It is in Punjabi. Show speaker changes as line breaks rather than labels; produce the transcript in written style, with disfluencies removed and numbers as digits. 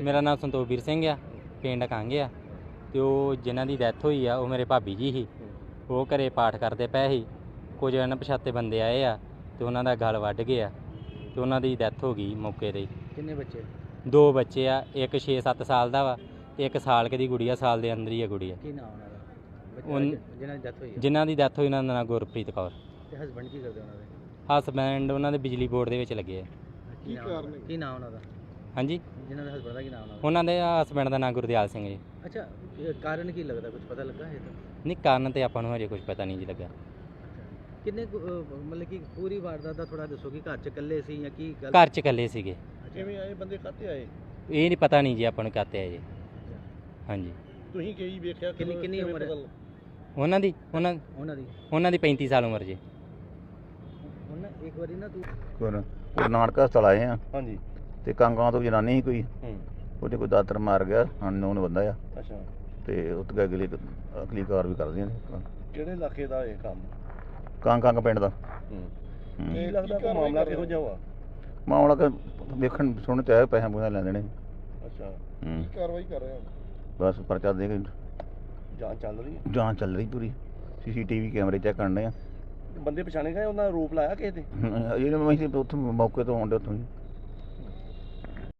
ਮੇਰਾ ਨਾਮ ਸੰਤੋਖਵੀਰ ਸਿੰਘ ਆ, ਪਿੰਡ ਕੰਗ ਆ। ਤੇ ਉਹ ਜਿਨ੍ਹਾਂ ਦੀ ਡੈਥ ਹੋਈ ਆ ਉਹ ਮੇਰੇ ਭਾਬੀ ਜੀ ਸੀ। ਉਹ ਘਰੇ ਪਾਠ ਕਰਦੇ ਪਏ ਸੀ। ਕੁਝ ਅਣਪਛਾਤੇ ਬੰਦੇ ਆਏ ਆ ਤੇ ਉਹਨਾਂ ਦਾ ਗਲ ਵੱਢ ਗਿਆ ਤੇ ਉਹਨਾਂ ਦੀ ਡੈਥ ਹੋ ਗਈ ਮੌਕੇ 'ਤੇ ਹੀ।
ਕਿੰਨੇ ਬੱਚੇ?
2 ਬੱਚੇ ਆ, ਇੱਕ 6-7 ਸਾਲ ਦਾ ਵਾ ਤੇ ਇੱਕ ਸਾਲ ਕੁ ਦੀ ਗੁੜੀਆ, ਸਾਲ ਦੇ ਅੰਦਰ ਹੀ ਆ ਗੁੜੀਆ।
ਕੀ ਨਾਮ ਉਹਨਾਂ ਦਾ ਜਿਨ੍ਹਾਂ ਦੀ ਡੈਥ ਹੋਈ ਹੈ?
ਜਿਨ੍ਹਾਂ ਦੀ ਡੈਥ ਹੋਈ ਉਹਨਾਂ ਦਾ ਨਾਮ ਗੁਰਪ੍ਰੀਤ ਕੌਰ।
ਤੇ ਹਸਬੰਡ ਕੀ ਕਰਦੇ ਉਹਨਾਂ ਦੇ?
ਹਸਬੈਂਡ ਉਹਨਾਂ ਦੇ ਬਿਜਲੀ ਬੋਰਡ ਦੇ ਵਿੱਚ ਲੱਗੇ ਆ।
ਕੀ ਨਾਮ ਉਹਨਾਂ ਦਾ?
ਹਾਂਜੀ,
ਜਿਨ੍ਹਾਂ ਦੇ ਹਸਬੰਡ ਦਾ ਕੀ ਨਾਮ ਉਹਨਾਂ ਦਾ?
ਉਹਨਾਂ ਦੇ ਹਸਬੈਂਡ ਦਾ ਨਾਮ ਗੁਰਦਿਆਲ ਸਿੰਘ ਜੀ।
ਅੱਛਾ, ਇਹ ਕਾਰਨ ਕੀ ਲੱਗਦਾ, ਕੁਝ ਪਤਾ ਲੱਗਾ ਹੈ ਤਾਂ?
ਨਹੀਂ, ਕਾਰਨ ਤੇ ਆਪਾਂ ਨੂੰ ਹਜੇ ਕੁਝ ਪਤਾ ਨਹੀਂ ਜੀ ਲੱਗਾ।
ਕਿੰਨੇ ਮਤਲਬ ਕਿ ਪੂਰੀ ਵਾਰਦਾਤ ਦਾ ਥੋੜਾ ਦੱਸੋ ਕਿ ਘਰ 'ਚ ਇਕੱਲੇ ਸੀ ਜਾਂ ਕੀ ਗੱਲ?
ਘਰ 'ਚ ਇਕੱਲੇ ਸੀਗੇ।
ਕਿਵੇਂ ਆਏ ਬੰਦੇ, ਕਾਹਤੇ ਆਏ?
ਇਹ ਨਹੀਂ ਪਤਾ ਨਹੀਂ ਜੀ ਆਪਾਂ ਨੂੰ ਕਾਹਤੇ ਆਏ ਜੀ। ਹਾਂਜੀ।
ਤੁਸੀਂ ਕੀ ਵੇਖਿਆ? ਕਿੰਨੀ ਉਮਰ ਹੈ
ਉਹਨਾਂ ਦੀ? ਉਹਨਾਂ ਦੀ 35 ਸਾਲ ਉਮਰ ਜੀ।
ਉਹਨਾਂ ਇੱਕ ਵਾਰੀ ਨਾ ਤੂੰ
ਗੁਰੂ ਨਾਨਕ ਹਸਪਤਾਲ ਆਏ ਆ।
ਹਾਂਜੀ।
ਤੇ ਕਾਂਗਾਂ ਤੋਂ ਜਨਾਨੀ ਸੀ ਕੋਈ, ਉਹਦੇ ਕੋਈ ਦਾਤਰ ਮਾਰ ਗਿਆ, ਅਨਨੋਨ ਬੰਦਾ ਆ।
ਅੱਛਾ।
ਤੇ ਉੱਥੇ ਅਗਲੀ ਕਾਰ ਵੀ ਕਰਦੀਆਂ ਨੇ।
ਕਿਹੜੇ ਇਲਾਕੇ ਦਾ ਇਹ ਕੰਮ?
ਕਾਂਗ ਪਿੰਡ ਦਾ।
ਕੀ ਲੱਗਦਾ ਕੋਈ ਮਾਮਲਾ ਕਿਹੋ ਜਿਹਾ ਵਾ?
ਮਾਮਲਾ ਕਿ ਵੇਖਣ ਸੁਣਨ ਤੇ ਆਇਆ, ਪੈਸੇ ਪੂਸੇ ਲੈ ਦੇਣੇ।
ਅੱਛਾ। ਕੀ ਕਾਰਵਾਈ ਕਰ ਰਹੇ ਹੋ?
ਬਸ ਪਰਚਾ ਦੇ ਕੇ
ਜਾਂਚ ਚੱਲ ਰਹੀ ਹੈ?
ਜਾਂਚ ਚੱਲ ਰਹੀ ਪੂਰੀ। CCTV ਕੈਮਰੇ ਚੈੱਕ ਕਰਨੇ ਆ।
ਬੰਦੇ ਪਛਾਣੇ ਗਏ, ਉਹਨਾਂ ਦਾ ਰੂਪ ਲਾਇਆ ਕਿਸੇ ਤੇ?
ਇਹ ਮੈਂ ਉੱਥੇ ਮੌਕੇ ਤੋਂ ਆਉਂਦੇ ਉੱਥੋਂ ਹੀ।